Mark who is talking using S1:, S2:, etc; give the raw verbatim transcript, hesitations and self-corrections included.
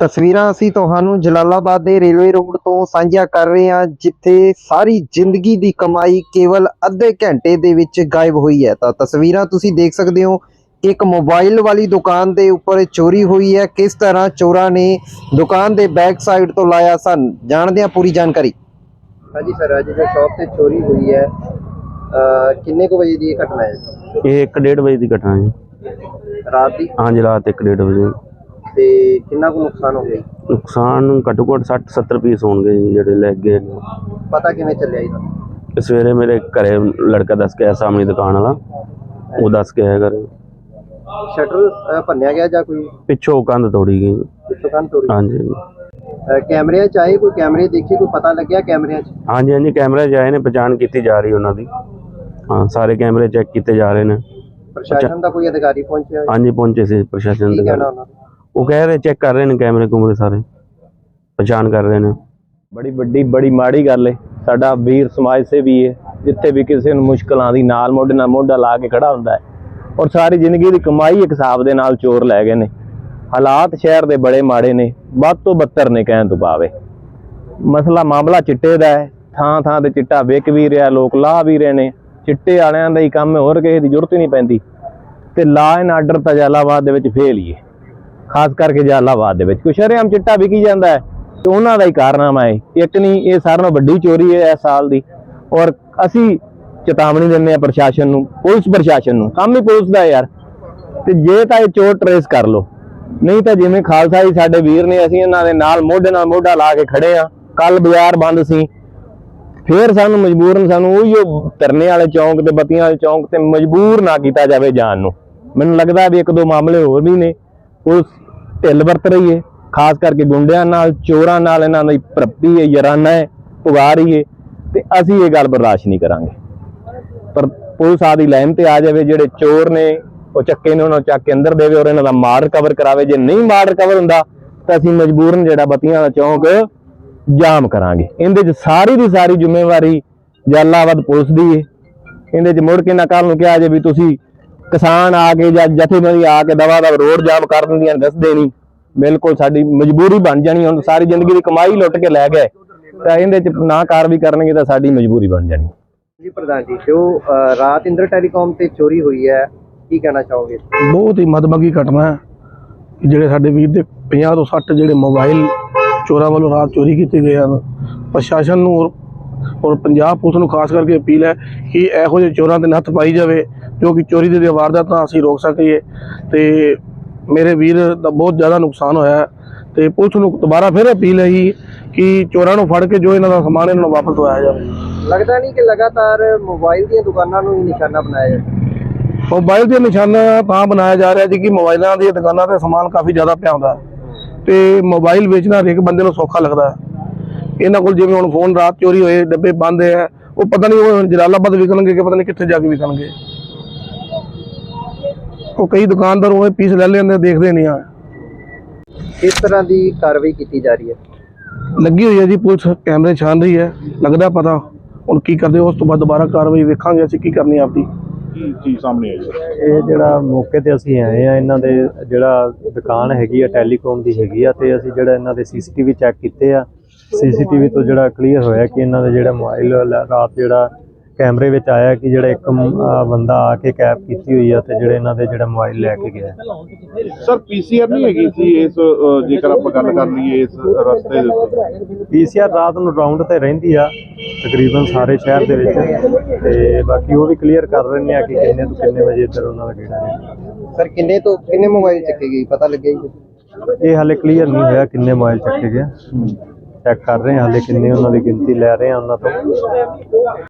S1: ਤਸਵੀਰਾਂ ਅਸੀਂ ਤੁਹਾਨੂੰ ਜਲਾਲਾਬਾਦ ਦੇ ਰੇਲਵੇ ਰੋਡ ਤੋਂ ਸਾਂਝਾ ਕਰ ਰਹੇ ਹਾਂ, ਜਿੱਥੇ ਸਾਰੀ ਜ਼ਿੰਦਗੀ ਦੀ ਕਮਾਈ ਕੇਵਲ ਅੱਧੇ ਘੰਟੇ ਦੇ ਵਿੱਚ ਗਾਇਬ ਹੋਈ ਹੈ। ਤਾਂ ਤਸਵੀਰਾਂ ਤੁਸੀਂ ਦੇਖ ਸਕਦੇ ਹੋ ਕਿ ਇੱਕ ਮੋਬਾਈਲ ਵਾਲੀ ਦੁਕਾਨ ਦੇ ਉੱਪਰ ਚੋਰੀ ਹੋਈ ਹੈ। ਕਿਸ ਤਰ੍ਹਾਂ ਚੋਰਾਂ ਨੇ ਦੁਕਾਨ ਦੇ ਬੈਕ ਸਾਈਡ ਤੋਂ ਲਾਇਆ ਸਨ, ਜਾਣਦੇ ਹਾਂ ਪੂਰੀ ਜਾਣਕਾਰੀ। ਹਾਂਜੀ ਸਰ, ਅੱਜ ਜੋ ਸ਼ਾਪ ਤੇ ਚੋਰੀ ਹੋਈ ਹੈ, ਕਿੰਨੇ ਕੁ ਵਜੇ ਦੀ ਘਟਨਾ ਹੈ?
S2: ਇਹ ਇੱਕ ਡੇਢ ਵਜੇ ਦੀ ਘਟਨਾ ਹੈ।
S1: ਰਾਤ ਦੀ?
S2: ਹਾਂਜੀ, ਰਾਤ ਇੱਕ ਡੇਢ ਵਜੇ।
S1: ਤੇ ਕਿੰਨਾ ਕੁ ਨੁਕਸਾਨ ਹੋ ਗਿਆ?
S2: ਨੁਕਸਾਨ ਘੱਟੋ ਘੱਟ ਸੱਠ ਸੱਤਰ ਪੀਸ ਹੋਣਗੇ ਜੀ ਜਿਹੜੇ ਲੈ ਗਏ।
S1: ਪਤਾ ਕਿਵੇਂ ਚੱਲਿਆ ਇਹਦਾ?
S2: ਸਵੇਰੇ ਮੇਰੇ ਘਰੇ ਲੜਕਾ ਦੱਸ ਕੇ ਆਇਆ, ਸਾਹਮਣੇ ਦੁਕਾਨ ਵਾਲਾ, ਉਹ ਦੱਸ ਕੇ ਆਇਆ ਘਰੇ।
S1: ਸ਼ਟਰ ਭੰਨਿਆ ਗਿਆ ਜਾਂ ਕੋਈ
S2: ਪਿੱਛੋਂ ਕੰਧ ਤੋੜੀ ਗਈ?
S1: ਪਿੱਛੋਂ ਕੰਧ ਤੋੜੀ।
S2: ਹਾਂਜੀ।
S1: ਕੈਮਰਿਆਂ 'ਚ ਆਏ, ਕੋਈ ਕੈਮਰੇ ਦੇਖੇ, ਕੋਈ ਪਤਾ ਲੱਗਿਆ ਕੈਮਰਿਆਂ 'ਚ?
S2: ਹਾਂਜੀ ਹਾਂਜੀ, ਕੈਮਰੇ 'ਚ ਆਏ ਨੇ, ਪਛਾਣ ਕੀਤੀ ਜਾ ਰਹੀ ਉਹਨਾਂ ਦੀ। ਹਾਂ, ਸਾਰੇ ਕੈਮਰੇ ਚੈੱਕ ਕੀਤੇ ਜਾ ਰਹੇ ਨੇ।
S1: ਪ੍ਰਸ਼ਾਸਨ ਦਾ ਕੋਈ ਅਧਿਕਾਰੀ ਪਹੁੰਚਿਆ?
S2: ਹਾਂਜੀ, ਪਹੁੰਚੇ ਸੀ ਪ੍ਰਸ਼ਾਸਨ ਦੇ। ਉਹ ਕਹਿ ਰਹੇ ਚੈੱਕ ਕਰ ਰਹੇ ਨੇ ਕੈਮਰੇ ਕੁਮਰੇ ਸਾਰੇ, ਪਛਾਣ ਕਰ ਰਹੇ ਨੇ।
S3: ਬੜੀ ਵੱਡੀ ਬੜੀ ਮਾੜੀ ਗੱਲ ਹੈ। ਸਾਡਾ ਵੀਰ ਸਮਾਜ ਸੇਵੀ ਹੈ, ਜਿੱਥੇ ਵੀ ਕਿਸੇ ਨੂੰ ਮੁਸ਼ਕਲ ਆਉਂਦੀ ਨਾਲ ਮੋਢੇ ਨਾਲ ਮੋਢਾ ਲਾ ਕੇ ਖੜਾ ਹੁੰਦਾ ਹੈ। ਔਰ ਸਾਰੀ ਜ਼ਿੰਦਗੀ ਦੀ ਕਮਾਈ ਇੱਕ ਹਿਸਾਬ ਦੇ ਨਾਲ ਚੋਰ ਲੈ ਗਏ ਨੇ। ਹਾਲਾਤ ਸ਼ਹਿਰ ਦੇ ਬੜੇ ਮਾੜੇ ਨੇ, ਵੱਧ ਤੋਂ ਬੱਤਰ ਨੇ ਕਹਿਣ ਤੋਂ ਭਾਵੇਂ। ਮਸਲਾ ਮਾਮਲਾ ਚਿੱਟੇ ਦਾ ਹੈ, ਥਾਂ ਥਾਂ ਤੇ ਚਿੱਟਾ ਵਿਕ ਵੀ ਰਿਹਾ, ਲੋਕ ਲਾ ਵੀ ਰਹੇ ਨੇ। ਚਿੱਟੇ ਵਾਲਿਆਂ ਦਾ ਹੀ ਕੰਮ ਹੈ, ਹੋਰ ਕਿਸੇ ਦੀ ਜ਼ਰੂਰਤ ਹੀ ਨਹੀਂ ਪੈਂਦੀ। ਤੇ ਲਾ ਐਂਡ ਆਰਡਰ ਤਾਂ ਜਲਾਲਾਬਾਦ ਦੇ ਵਿੱਚ ਫੇਲ ਹੀ ਹੈ, ਖਾਸ ਕਰਕੇ ਜਲਾਲਾਬਾਦ ਦੇ ਵਿੱਚ ਕੁਛ ਸ਼ਰੇਆਮ ਚਿੱਟਾ ਵਿਕੀ ਜਾਂਦਾ ਹੈ ਤੇ ਉਹਨਾਂ ਦਾ ਹੀ ਕਾਰਨਾਮਾ ਹੈ। ਇੱਕ ਨਹੀਂ, ਇਹ ਸਾਰਿਆਂ ਨਾਲੋਂ ਵੱਡੀ ਚੋਰੀ ਹੈ ਇਸ ਸਾਲ ਦੀ। ਔਰ ਅਸੀਂ ਚੇਤਾਵਨੀ ਦਿੰਦੇ ਹਾਂ ਪ੍ਰਸ਼ਾਸਨ ਨੂੰ, ਪੁਲਿਸ ਪ੍ਰਸ਼ਾਸਨ ਨੂੰ, ਕੰਮ ਹੀ ਪੁਲਿਸ ਦਾ ਯਾਰ। ਤੇ ਜੇ ਤਾਂ ਇਹ ਚੋਰ ਟਰੇਸ ਕਰ ਲੋ, ਨਹੀਂ ਤਾਂ ਜਿਵੇਂ ਖਾਲਸਾ ਜੀ ਸਾਡੇ ਵੀਰ ਨੇ, ਅਸੀਂ ਇਹਨਾਂ ਦੇ ਨਾਲ ਮੋਢੇ ਨਾਲ ਮੋਢਾ ਲਾ ਕੇ ਖੜੇ ਆ। ਕੱਲ ਬਾਜ਼ਾਰ ਬੰਦ ਸੀ, ਫੇਰ ਸਾਨੂੰ ਮਜਬੂਰਨ ਸਾਨੂੰ ਉਹੀ ਧਰਨੇ ਵਾਲੇ ਚੌਂਕ ਤੇ ਬੱਤੀਆਂ ਵਾਲੇ ਚੌਂਕ ਤੇ ਮਜਬੂਰ ਨਾ ਕੀਤਾ ਜਾਵੇ ਜਾਣ ਨੂੰ। ਮੈਨੂੰ ਲੱਗਦਾ ਵੀ ਇੱਕ ਦੋ ਮਾਮਲੇ ਹੋਰ ਵੀ ਨੇ, ਪੁਲਿਸ ਢਿੱਲ ਵਰਤ ਰਹੀ ਹੈ, ਖਾਸ ਕਰਕੇ ਗੁੰਡਿਆਂ ਨਾਲ, ਚੋਰਾਂ ਨਾਲ। ਇਹਨਾਂ ਦੀ ਭਰਪੀ ਹੈ, ਯਾਰਾਨਾ ਹੈ, ਪੁਗਾ ਰਹੀ ਹੈ, ਤੇ ਅਸੀਂ ਇਹ ਗੱਲ ਬਰਦਾਸ਼ਤ ਨਹੀਂ ਕਰਾਂਗੇ। ਪਰ ਪੁਲਿਸ ਆਦੀ ਲਾਈਨ ਤੇ ਆ ਜਾਵੇ, ਜਿਹੜੇ ਚੋਰ ਨੇ ਉਹ ਚੱਕੇ ਨੇ ਉਹਨਾਂ ਨੂੰ ਚੱਕ ਕੇ ਅੰਦਰ ਦੇਵੇ ਔਰ ਇਹਨਾਂ ਦਾ ਮਾਲ ਰਿਕਵਰ ਕਰਾਵੇ। ਜੇ ਨਹੀਂ ਮਾਲ ਰਿਕਵਰ ਹੁੰਦਾ ਤਾਂ ਅਸੀਂ ਮਜਬੂਰਨ ਜਿਹੜਾ ਬੱਤੀਆਂ ਦਾ ਚੌਂਕ ਜਾਮ ਕਰਾਂਗੇ। ਇਹਦੇ 'ਚ ਸਾਰੀ ਦੀ ਸਾਰੀ ਜ਼ਿੰਮੇਵਾਰੀ ਜਲਾਲਾਬਾਦ ਪੁਲਿਸ ਦੀ ਹੈ। ਇਹਦੇ 'ਚ ਮੁੜ ਕੇ ਨਾ ਕੱਲ੍ਹ ਨੂੰ ਕਿਹਾ ਜੇ ਵੀ ਤੁਸੀਂ ਕਿਸਾਨ ਆ ਕੇ ਜਾਂ ਜਥੇਬੰਦੀ ਆ ਕੇ ਦਵਾ ਦਾ ਰੋਡ ਜਾਮ ਕਰ ਦਿੰਦੀਆਂ, ਦੱਸਦੇ ਨਹੀਂ। ਬਿਲਕੁਲ ਸਾਡੀ ਮਜਬੂਰੀ ਬਣ ਜਾਣੀ। ਹੁਣ ਸਾਰੀ ਜ਼ਿੰਦਗੀ ਦੀ ਕਮਾਈ ਲੁੱਟ ਕੇ ਲੈ ਗਏ ਤਾਂ ਇਹਦੇ 'ਚ ਨਾ ਕਾਰਵਾਈ ਕਰਨਗੇ ਤਾਂ ਸਾਡੀ ਮਜਬੂਰੀ ਬਣ ਜਾਣੀ।
S1: ਜੀ ਪ੍ਰਧਾਨ ਜੀ, ਜੋ ਰਾਤ ਇੰਦਰ ਟੈਲੀਕਾਮ ਤੇ ਚੋਰੀ ਹੋਈ ਹੈ, ਕੀ ਕਹਿਣਾ ਚਾਹੋਗੇ?
S4: ਬਹੁਤ ਹੀ ਮਦਭਾਗੀ ਘਟਨਾ ਹੈ। ਜਿਹੜੇ ਸਾਡੇ ਵੀਰ ਦੇ ਪੰਜਾਹ ਤੋਂ ਸੱਠ ਜਿਹੜੇ ਮੋਬਾਈਲ ਚੋਰਾਂ ਵੱਲੋਂ ਰਾਤ ਚੋਰੀ ਕੀਤੇ ਗਏ ਹਨ। ਪ੍ਰਸ਼ਾਸਨ ਨੂੰ ਔਰ ਪੰਜਾਬ ਪੁਲਿਸ ਨੂੰ ਖਾਸ ਕਰਕੇ ਅਪੀਲ ਹੈ ਕਿ ਇਹੋ ਜਿਹੇ ਚੋਰਾਂ ਦੇ ਨੱਥ ਪਾਈ ਜਾਵੇ, ਜੋ ਕਿ ਚੋਰੀ ਦੇ ਵਾਰਦਾਤਾਂ ਅਸੀਂ ਰੋਕ ਸਕੀਏ। ਤੇ ਮੇਰੇ ਵੀਰ ਦਾ ਬਹੁਤ ਜ਼ਿਆਦਾ ਨੁਕਸਾਨ ਹੋਇਆ ਹੈ ਤੇ ਪੁਲਿਸ ਨੂੰ ਦੁਬਾਰਾ ਫਿਰ ਅਪੀਲ ਹੈ ਕਿ ਚੋਰਾਂ ਨੂੰ ਫੜ ਕੇ ਜੋ ਇਹਨਾਂ ਦਾ ਸਮਾਨ ਇਹਨਾਂ ਨੂੰ ਵਾਪਸ ਦਵਾਇਆ ਜਾਵੇ।
S1: ਲੱਗਦਾ ਨਹੀਂ ਕਿ ਲਗਾਤਾਰ ਮੋਬਾਈਲ ਦੀਆਂ ਦੁਕਾਨਾਂ ਨੂੰ ਹੀ ਨਿਸ਼ਾਨਾ ਬਣਾਇਆ ਜਾਂਦਾ?
S4: ਮੋਬਾਈਲ ਦੇ ਨਿਸ਼ਾਨਾ ਤਾਂ ਬਣਾਇਆ ਜਾ ਰਿਹਾ ਜੀ ਕਿ ਮੋਬਾਈਲਾਂ ਦੀਆਂ ਦੁਕਾਨਾਂ ਤੇ ਸਮਾਨ ਕਾਫੀ ਜ਼ਿਆਦਾ ਪਿਆ ਹੁੰਦਾ ਤੇ ਮੋਬਾਈਲ ਵੇਚਣਾ ਹਰੇਕ ਬੰਦੇ ਨੂੰ ਸੌਖਾ ਲੱਗਦਾ ਹੈ। ਇਹਨਾਂ ਕੋਲ ਜਿਵੇਂ ਹੁਣ ਫੋਨ ਰਾਤ ਚੋਰੀ ਹੋਏ, ਡੱਬੇ ਬੰਦ ਹੈ, ਉਹ ਪਤਾ ਨਹੀਂ ਉਹ ਜਲਾਲਾਬਾਦ ਵਿਕਣਗੇ ਕਿ ਪਤਾ ਨਹੀਂ ਕਿੱਥੇ ਜਾ ਕੇ ਵਿਕਣਗੇ। ਉਹ ਕਈ ਦੁਕਾਨਦਾਰ ਉਹ ਪੀਸ ਲੈ ਲੈਂਦੇ, ਦੇਖਦੇ ਨਹੀਂ ਆ।
S1: ਕਿਸ ਤਰ੍ਹਾਂ ਦੀ ਕਾਰਵਾਈ ਕੀਤੀ ਜਾ ਰਹੀ ਹੈ?
S4: ਲੱਗੀ ਹੋਈ ਹੈ ਜੀ ਪੁਲਿਸ, ਕੈਮਰੇ ਛਾਨ ਰਹੀ ਹੈ, ਲੱਗਦਾ ਪਤਾ ਹੁਣ ਕੀ ਕਰਦੇ। ਉਸ ਤੋਂ ਬਾਅਦ ਦੁਬਾਰਾ ਕਾਰਵਾਈ ਵੇਖਾਂਗੇ ਅਸੀਂ ਕੀ ਕਰਨੀ ਆਪਦੀ।
S5: ਚੀਜ਼ ਸਾਹਮਣੇ ਆਈ ਹੈ
S6: ਇਹ ਜਿਹੜਾ ਮੌਕੇ ਤੇ ਅਸੀਂ ਆਏ ਆ, ਇਹਨਾਂ ਦੇ ਜਿਹੜਾ ਦੁਕਾਨ ਹੈਗੀ ਆ ਟੈਲੀਕਾਮ ਦੀ ਹੈਗੀ ਆ, ਤੇ ਅਸੀਂ ਜਿਹੜਾ ਇਹਨਾਂ ਦੇ ਸੀਸੀਟੀਵੀ ਚੈੱਕ ਕੀਤੇ ਆ। ਸੀਸੀਟੀਵੀ ਤੋਂ ਜਿਹੜਾ ਕਲੀਅਰ ਹੋਇਆ ਕਿ ਇਹਨਾਂ ਦਾ ਜਿਹੜਾ ਮੋਬਾਈਲ ਰਾਤ ਜਿਹੜਾ ਕੈਮਰੇ ਵਿੱਚ ਆਇਆ ਕਿ ਜਿਹੜਾ ਇੱਕ ਬੰਦਾ ਆ ਕੇ ਕੈਪ ਕੀਤੀ ਹੋਈ ਆ ਤੇ ਜਿਹੜੇ ਇਹਨਾਂ ਦੇ ਜਿਹੜਾ ਮੋਬਾਈਲ ਲੈ ਕੇ ਗਿਆ।
S5: ਸਰ ਪੀਸੀਆਰ ਨਹੀਂ ਹੈਗੀ ਸੀ ਇਸ, ਜੇਕਰ ਆਪਾਂ ਗੱਲ ਕਰ ਲਈਏ ਇਸ ਰਸਤੇ ਦੇ ਉੱਤੇ?
S6: ਪੀਸੀਆਰ ਰਾਤ ਨੂੰ ਰਾਉਂਡ ਤੇ ਰਹਿੰਦੀ ਆ ਤਕਰੀਬਨ ਸਾਰੇ ਸ਼ਹਿਰ ਦੇ ਵਿੱਚ, ਤੇ ਬਾਕੀ ਉਹ ਵੀ ਕਲੀਅਰ ਕਰ ਰਹੇ ਆ ਕਿ ਕਿੰਨੇ ਤੋਂ ਕਿੰਨੇ ਵਜੇ ਇੱਧਰ ਉਹਨਾਂ ਦਾ ਗੇੜਾ।
S1: ਸਰ ਕਿੰਨੇ ਤੋਂ ਕਿੰਨੇ ਮੋਬਾਈਲ ਚੱਕੇ ਗਏ, ਪਤਾ ਲੱਗਿਆ ਜੀ?
S6: ਇਹ ਹਾਲੇ ਕਲੀਅਰ ਨਹੀਂ ਹੋਇਆ ਕਿੰਨੇ ਮੋਬਾਈਲ ਚੱਕੇ ਗਏ, ਚੈੱਕ ਕਰ ਰਹੇ ਹਾਂ ਹਾਲੇ ਕਿੰਨੇ ਉਹਨਾਂ ਦੀ ਗਿਣਤੀ ਲੈ ਰਹੇ ਆ ਉਹਨਾਂ ਤੋਂ।